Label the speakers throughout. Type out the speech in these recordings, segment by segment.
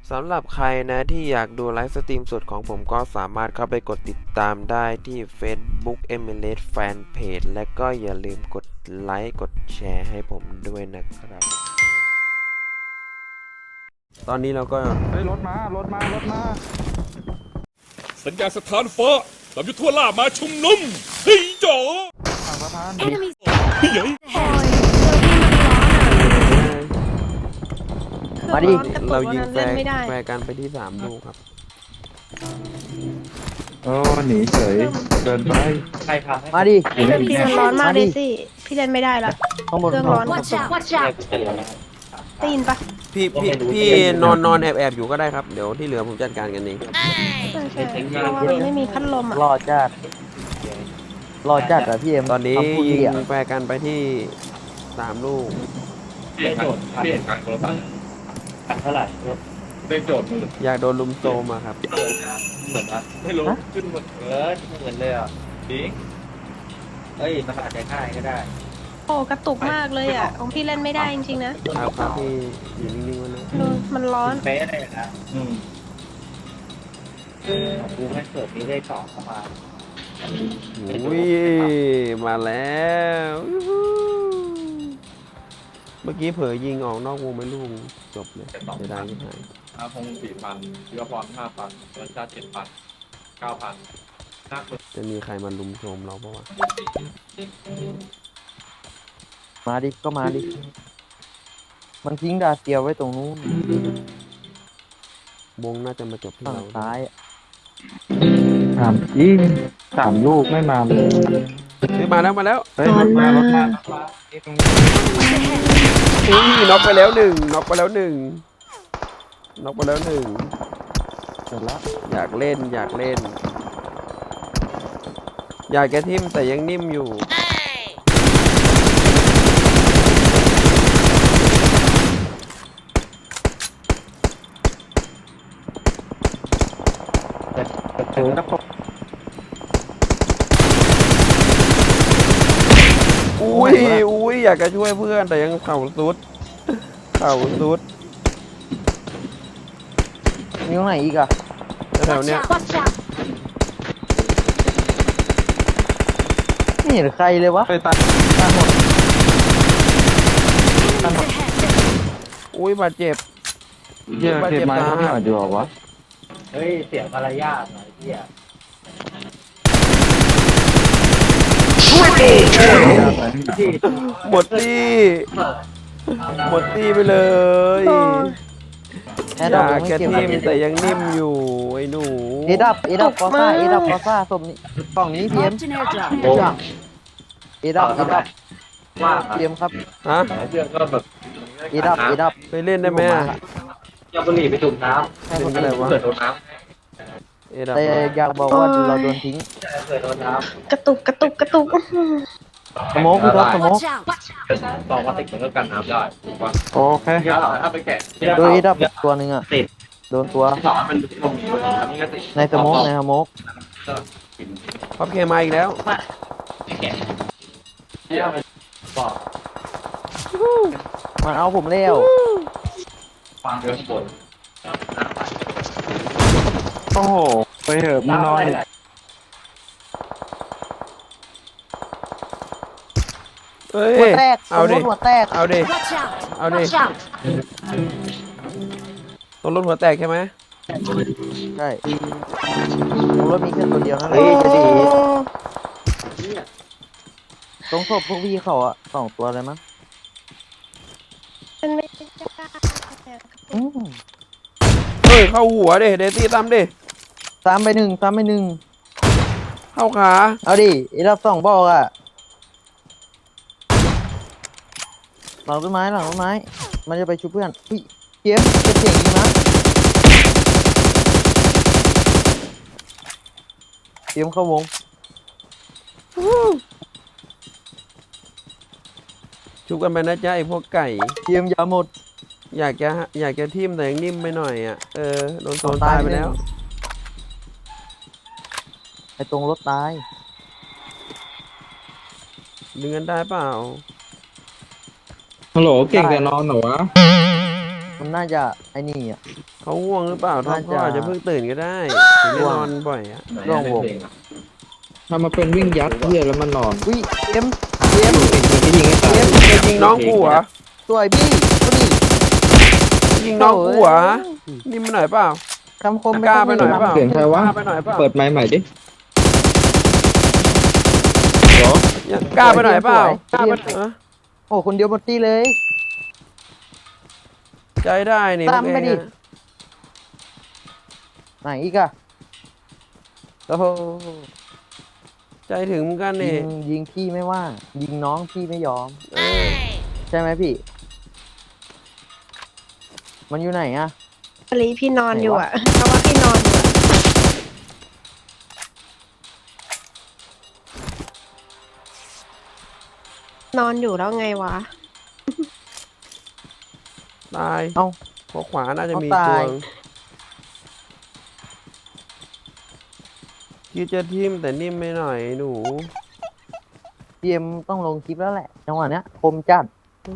Speaker 1: สำหรับใครนะที่อยากดูไลฟ์สตรีมสดของผมก็สามารถเข้าไปกดติดตามได้ที่ Facebook MLS Fanpage และก็อย่าลืมกดไลค์กดแชร์ให้ผมด้วยนะครับ ตอนนี้เราก็
Speaker 2: รถมา
Speaker 3: สัญญาณสถานฟ้าลำยุทธ์ทั่วล่ามาชุมนุมเฮ้ยจ๋อ
Speaker 2: ฝั่งสะพาน
Speaker 4: Enemies
Speaker 3: เฮ้ย
Speaker 1: มาดิ
Speaker 4: กระตุก
Speaker 1: เรายิงแฟ
Speaker 4: เล่น
Speaker 1: ร์
Speaker 4: ไม่ได้
Speaker 1: แฟร์กันไปที่3 ลูกครับ
Speaker 2: โอ้หนีเฉยเดินไป
Speaker 5: มาดิ
Speaker 4: พี่มันร้อนมากเลยสิพี่เล่นไม่ได้ละ
Speaker 5: ข้างบน
Speaker 4: เครื่องร้อน
Speaker 6: Watch out! Watch out!
Speaker 4: ได้ยินปะ
Speaker 1: พี่นอนแอบอยู่ก็ได้ครับ เดี๋ยวที่เหลือผมจัดการกันเอง
Speaker 4: ใช่เพราะว่ามันไม่มีพัดลมอ่ะ
Speaker 5: รอจัดรอจัดอะพี่เอ็ม
Speaker 1: ตอนนี้
Speaker 5: คำพูด
Speaker 1: ยิ
Speaker 5: พี่
Speaker 1: ง
Speaker 5: อะ
Speaker 1: แฟร์กันไปที่3 ลูก
Speaker 3: เปลี่ยนการโทรศัพท์เท่าไหร่เล่นโจทย์
Speaker 1: อยากโดนลุมโซมอะครับ
Speaker 3: เหมือนนะไม่รู้ขึ้นหมด
Speaker 7: เหมือนเลยอ่ะ
Speaker 3: จริง
Speaker 7: เอ้ยมันอาจจะง่ายก็ได้
Speaker 4: โอ้กระตุกมากเลยอ่ะของพี่เล่นไม่ได้จริงๆนะครับ
Speaker 1: ครับพี่อยู่นิ่งๆไว้นะ
Speaker 4: ดูมันร้อน
Speaker 7: เป๊ะเลยนะกูไม่เกิดนี้ได้ต่อเข้ามา
Speaker 1: อุ้ยมาแล้วยูฮูเมื่อกี้เผลอยิงออกนอกวงไปลูกจบเลยเสียดายที่ไหน
Speaker 3: อาพงศ์4,000ยุวพร5,000รัชชาติ7,000 9,000นัก
Speaker 1: จะมีใครมาลุมโซมเราปะวะ
Speaker 5: มาดิก็มาดิมันทิ้งดาเซียวไว้ตรงนู้น
Speaker 1: วงน่าจะมาจบที่
Speaker 5: ฝั่ง
Speaker 1: เรา
Speaker 5: ซ้ายอะ
Speaker 2: ยิง3 ลูกไม่มาเลย
Speaker 1: เฮ้ยมาแล้ว
Speaker 2: เฮ้ยรถมา
Speaker 1: อุ้ยน็อกไปแล้วหนึ่งน็อกไปแล้วหนึ่ง
Speaker 5: เสร็จแล้ว
Speaker 1: อยากเล่น อยากแกทิมแต่ยังนิ่มอยู่
Speaker 2: ถึงกระปก
Speaker 1: อุ้ยอยากจะช่วยเพื่อนแต่ยังเข่าสุด
Speaker 5: มีตรงไหนอีกอะ
Speaker 1: แถว
Speaker 6: Watch
Speaker 1: เนี้ย
Speaker 6: out! Watch out!
Speaker 5: ไม่เห็นใครเลยวะ
Speaker 2: ไปตัดหมด
Speaker 6: Enemies ahead!
Speaker 1: อุ้ยบาดเจ็บ
Speaker 2: เยอะเก็บไม้เขาหน่อยดีกว่าวะ
Speaker 7: เฮ้ยเสียงมารยาทหน่อยพี่อ่ะ
Speaker 1: หมดตี้ไปเลย
Speaker 4: โอ้
Speaker 5: แอ
Speaker 1: อ
Speaker 5: ดดับ
Speaker 1: ยา
Speaker 5: ยั
Speaker 1: ก
Speaker 5: งไม่
Speaker 1: แก
Speaker 5: เก็บ
Speaker 1: ทิมแต่ยังนิ่มอยู่ไอ้หนู
Speaker 5: เอดับกอซ่าสมนี้กล่องนี้พี่เอ็ม
Speaker 6: Marked an airdrop.
Speaker 5: เอดับ
Speaker 7: ว่า
Speaker 5: พี่เอ็มครับ
Speaker 1: ฮะ
Speaker 7: เรื่องก็แบบ
Speaker 5: เอดับ
Speaker 1: ไปเล่นได้ไหมอะ
Speaker 7: ยาบุหรี่ไปจุ่มน้
Speaker 1: เล่นอะไรวะ
Speaker 7: ำเกิดโดนน้
Speaker 1: เอดับ
Speaker 5: แต่อยากบอกว่าเราโดนทิ้ง
Speaker 7: ำเกิดโดนน้
Speaker 4: กระตุก
Speaker 5: สโมกพี่ท็อปสโมก
Speaker 6: Watch out! Watch out!
Speaker 7: ำต่อมาติดเหมือนกับกันน้ำได้ถูกปะ
Speaker 2: โอเค
Speaker 7: เดี๋ยวถ้าไปแกะ
Speaker 5: โดยเอดับตัวหนึ่งอะโดนตัว
Speaker 7: สอนมันลงอยู่อันนี้ก็ติด
Speaker 5: ในสโมก
Speaker 1: พับเคมาอีกแล้ว
Speaker 7: เนี่ยมันบอก
Speaker 5: มันเอาผมเร็ว
Speaker 7: ฟังเรื่องบน
Speaker 2: โอ้โหไปเถอะมึงนอน
Speaker 1: เฮ้ย
Speaker 5: หัวแตกส
Speaker 1: เอา
Speaker 5: มม
Speaker 1: ดิ
Speaker 5: ติหัวแตก
Speaker 1: เอาดิ
Speaker 6: Watch out!
Speaker 1: เอาดิ
Speaker 6: Watch out!
Speaker 1: ต้องรถหัวแตกใช่ไหม
Speaker 5: ใช่ผมว่ามีแค่ตัวเดียวนั่นแหละจะดีตรงศพพวกพี่เขาอะ2 ตัวเลยมั้ง
Speaker 4: เป็นไม่ได้
Speaker 5: อืม
Speaker 1: เฮ้ย เข้าหัวดิเดซี่ตามดิ
Speaker 5: 3 ไป 1
Speaker 1: เข้าขา
Speaker 5: เอาดิเอดับ2บอกอะหลังต้นไม้มันจะไปชุบเพื่อนพี่เจี๊ยบจะเสียงยิงนะเตรียมเข้าวง
Speaker 1: ชุบกันไปนะจ๊ะไอพวกไก่
Speaker 5: เตรียมยาหมด
Speaker 1: อยากจะทิ่มแต่ยังนิ่มไปหน่อยอ่ะ โดนโซนตายไปแล้ว
Speaker 5: ไอ้ตรงรถตาย
Speaker 1: ดึงกันได้เปล่า
Speaker 2: ฮัลโหลเก่งแต่นอนเหรอวะ
Speaker 5: มันน่าจะไอ้นี่อ่ะ
Speaker 1: เขาง่วงหรือเปล่าท็อป
Speaker 5: น่าจะ
Speaker 1: เขาอาจจะเพิ่งตื่นก็ได้ถึงได้นอนบ่อยอะ
Speaker 5: ร่วงวง
Speaker 2: ถ้ามาเป็นวิ่งยัดเฮียแล้วมันนอน
Speaker 5: อุ้ยเอ็มเอ็ม
Speaker 2: เป็นคนที่ยิงให้ตาย
Speaker 1: จะยิงน้องกูเหรอ
Speaker 5: สวยบี้ก็ดี
Speaker 1: ยิงน้องกูเหรอนี่มันหน่อยเปล่า
Speaker 5: คำคม
Speaker 1: กล้าไปหน่อยเปล่า
Speaker 2: เสียงใครวะ
Speaker 1: กล้าไปหน่อยเปล่า
Speaker 2: เปิดไมค์ใหม่ดิเหรอ
Speaker 1: กล้าไปหน่อยเปล่า
Speaker 5: สวย
Speaker 1: ฮะ
Speaker 5: โอ้คนเดียวหมดตีเลย
Speaker 1: ใจได้นี่
Speaker 5: ตามไปดิ
Speaker 1: พวกเองอะ
Speaker 5: ไหนอีกอะโอ้โห
Speaker 1: ใจถึงเหมือนกัน
Speaker 5: ยิ
Speaker 1: นี่
Speaker 5: งยิงพี่ไม่ว่า ยิงน้องพี่ไม่ยอม
Speaker 1: เออ
Speaker 5: ใช่ไหมพี่ มันอยู่ไหนอะ
Speaker 4: อลีพี่นอนอยู่อ่ะเพราะว่าพี่นอนอยู่อะนอนอยู่แล้วไงวะ
Speaker 1: ตาย
Speaker 5: เอ้า
Speaker 1: ขอขวาน่าจะมี
Speaker 5: เอา
Speaker 1: ตั
Speaker 5: ตา
Speaker 1: วย คิดจะทิมแต่นิ่มไม่หน่อยหนู
Speaker 5: พีเอ็มต้องลงคลิปแล้วแหละ จังหวะเนี้ยคมจัด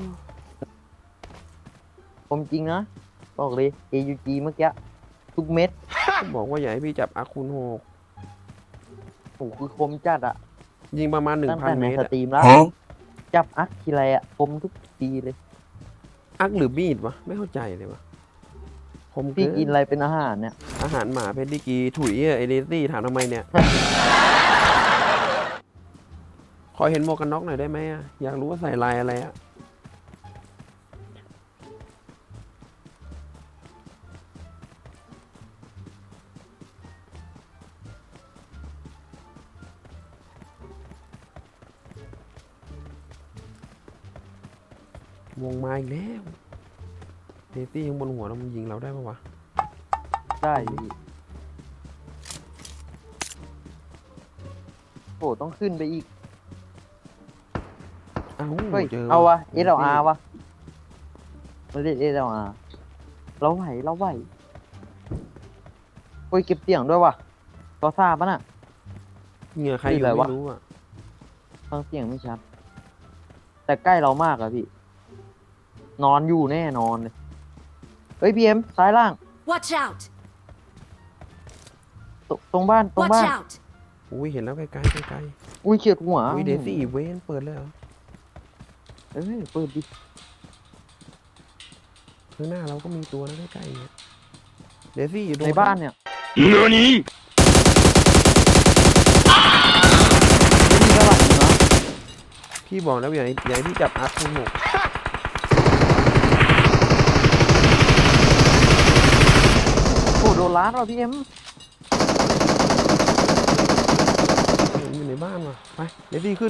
Speaker 5: คมจริงนะ บอกเลย AUG เมื่อกี้ทุกเม็ด
Speaker 1: บอกว่าอย่าให้พี่จับอาคูณหก
Speaker 5: โอ้โหคือคมจัดอะ
Speaker 1: ยิงประมาณ
Speaker 5: ตั้งแต่
Speaker 1: 1,000
Speaker 5: ใน
Speaker 1: เมต
Speaker 5: ส
Speaker 1: รอะ
Speaker 5: ตรีมแล้ว จับอักทีไรอะคมทุกทีเลย
Speaker 1: อักหรือมีดวะไม่เข้าใจเลยวะคม
Speaker 5: พี่
Speaker 1: เกิ
Speaker 5: กิน
Speaker 1: น
Speaker 5: อะไรเป็นอาหารเนี่ย
Speaker 1: อาหารหมาเพชรดิกีถุยเอเดซี่ถามทำไมเนี่ย ขอเห็นหมวกกันน็อกหน่อยได้ไหมอะอยากรู้ว่าใส่ลายอะไรอะวงมาอีกแล้วเดซี่ยังบนหัวเรามันยิงเราได้ปะวะ
Speaker 5: ได้พี่โอ้ต้องขึ้นไปอีก
Speaker 1: เอ้า
Speaker 5: เฮ้ย
Speaker 1: เจอ
Speaker 5: เอาวะ
Speaker 1: เดซี่
Speaker 5: SLR วะไม่ได้ SLR เราไหวเราไหวโอ้ยเก็บเสียงด้วยวะก็ทราบปะน่ะ
Speaker 1: เหงื่อใครอยู่
Speaker 5: คืออะไรวะ
Speaker 1: ไม่รู้อ่ะ
Speaker 5: ฟังเสียงไม่ชัด แต่ใกล้เรามากอะพี่ นอนอยู่แน่นอนเลย เฮ้ยพีเอ็มซ้ายล่าง
Speaker 6: Watch out!
Speaker 5: ตรงบ้านตรง
Speaker 6: Watch
Speaker 5: บ้าน
Speaker 6: out!
Speaker 1: อุ้ยเห็นแล้วไกลๆไกล
Speaker 5: อุ้ยเฉียดหัว
Speaker 1: ๆอุ้ยเดซี่เวนเปิดเลยเหรอ
Speaker 5: เอ้ยเปิดดิ
Speaker 1: ข้างหน้าเราก็มีตัวนะใกล้ๆเนี่ยเดซี่อยู่โด
Speaker 5: ในบ้านเนี่ย
Speaker 2: เนื้อนี้
Speaker 5: ไม่มีกระหลังนะ
Speaker 1: พี่บอกแล้วอย่าให้พี่จับอาร์คคูณหก
Speaker 5: โอ้โดนล้านว่ะพี่เอ็ม
Speaker 1: อยู่ในบ้านว่ะไปเดซี่ขึ้น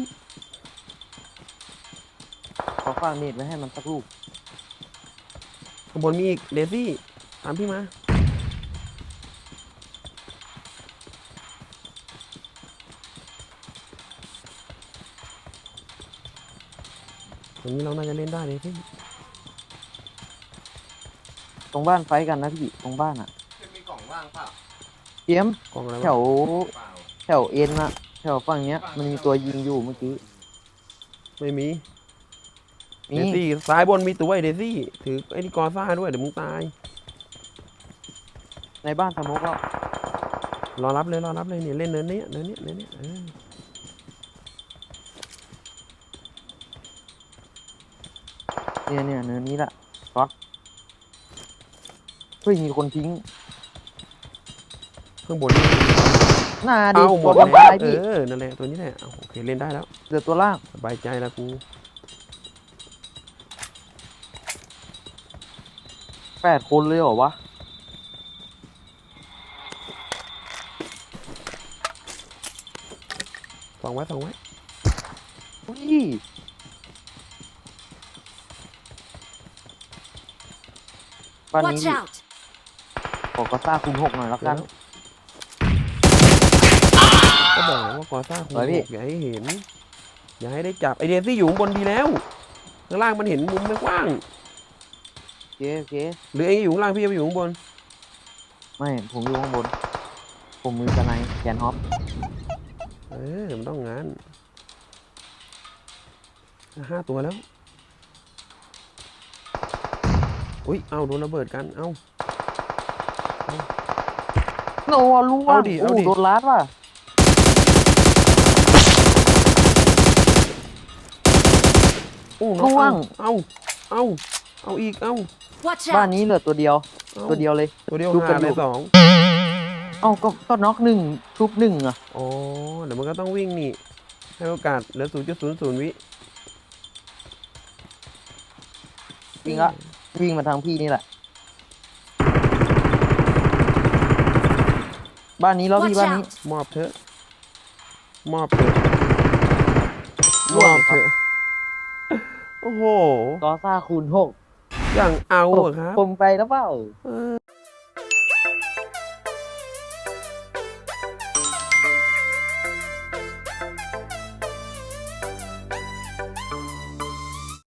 Speaker 5: ขอฝากเน็ตไว้ให้มันสักลูก
Speaker 1: ข้างบนมีอีกเดซี่ตามพี่มาตรงนี้เราน่าจะเล่นได้เดซี่
Speaker 5: ตรงบ้านไฟท์กันนะพี่ตรงบ้านอ่ะ
Speaker 7: มีกล่องว่างเปล่า
Speaker 5: พี่เอ็ม
Speaker 1: กองอะไร
Speaker 5: แถ
Speaker 1: วะ
Speaker 5: ว
Speaker 7: เปล่า
Speaker 5: แถวเอ็นอะแถวฝั่งเนี้ย มันมีตัวยิงอยู่เมื่อกี้
Speaker 1: ไม่มี
Speaker 5: มี
Speaker 1: เดซี่ซ้ายบนมีตัวไอ้เดซี่ถือไอ้นี่กอซ่าด้วยเดี๋ยวมึงตาย
Speaker 5: ในบ้านสมกแล้ว
Speaker 1: รอรับเลยเนี่ยเล่นเนินนี้เออ
Speaker 5: เนี่ยเนินนี้แหละก๊อตเฮ้ยมีคนทิ้ง
Speaker 1: ข้างบน
Speaker 5: หน้าดิ
Speaker 1: เอาหม
Speaker 5: ตัว
Speaker 1: ด
Speaker 5: บน
Speaker 1: แล้ว
Speaker 5: ตายพี่
Speaker 1: นั่นแหละตัวนี้แหละเอาโอเคเล่นได้แล้ว
Speaker 5: เหลือตัวล่าง
Speaker 1: สบายใจแล้วกู
Speaker 5: 8 คนเลยเหรอวะ
Speaker 1: ส่องไว้
Speaker 5: อุ้ยบ้านนี้
Speaker 6: Watch out!
Speaker 5: ขอกระซ่าคูณ6หน่อยแล้วกัน
Speaker 1: ก็บอกแล้วว่ากอซ่าคง
Speaker 5: เฮ้ยพี่
Speaker 1: อย่าให้เห็น อย่าให้ได้จับไอเดซี่อยู่ข้างบนดีแล้วข้างล่างมันเห็นมุมไม่กว้าง
Speaker 5: โอเคโอเค
Speaker 1: หรือเองอยู่ข้างล่างพี่จะไปอยู่ข้างบน
Speaker 5: ไม่ผมอยู่ข้างบน ผมมือสไนด์แขนฮอป
Speaker 1: มันต้องงาน5 ตัวแล้วอุ้ยเอาโดนระเบิดกันเอา
Speaker 5: โนล่ว
Speaker 1: เอา
Speaker 5: ง
Speaker 1: ดิเอาดิ
Speaker 5: โดนลัดว่ะ
Speaker 1: โอ้
Speaker 5: ล่วง
Speaker 1: เอาอีกเอา
Speaker 6: Watch
Speaker 5: บ้าน
Speaker 6: out!
Speaker 5: นี้เหลือตัวเดียว
Speaker 1: เอา
Speaker 5: ตัวเดียวเลย
Speaker 1: ตัวเดียว
Speaker 5: ดู
Speaker 1: หา
Speaker 5: กัน
Speaker 1: เล
Speaker 5: อยู่
Speaker 1: ยสอง
Speaker 5: เอ้าก็น็อกหนึ่งทุบหนึ่งอ่ะ
Speaker 1: อ๋อเดี๋ยวมันก็ต้องวิ่งนี่ให้โอกาสเหลือ0.00 วิ
Speaker 5: วิ่งละวิ่งมาทางพี่นี่แหละ บ้านนี้แล้วพี่
Speaker 6: Watch
Speaker 5: บ้านนี้
Speaker 6: out!
Speaker 1: มอบเถอะมอบเถอะ
Speaker 5: ร่
Speaker 1: ม
Speaker 5: วง
Speaker 1: อบเถอะโอ้โห
Speaker 5: กอซ่าคูณ
Speaker 1: อย่างเอา
Speaker 5: 6
Speaker 1: อะครับ
Speaker 5: ผมไปแล้วเปล่า
Speaker 1: เออ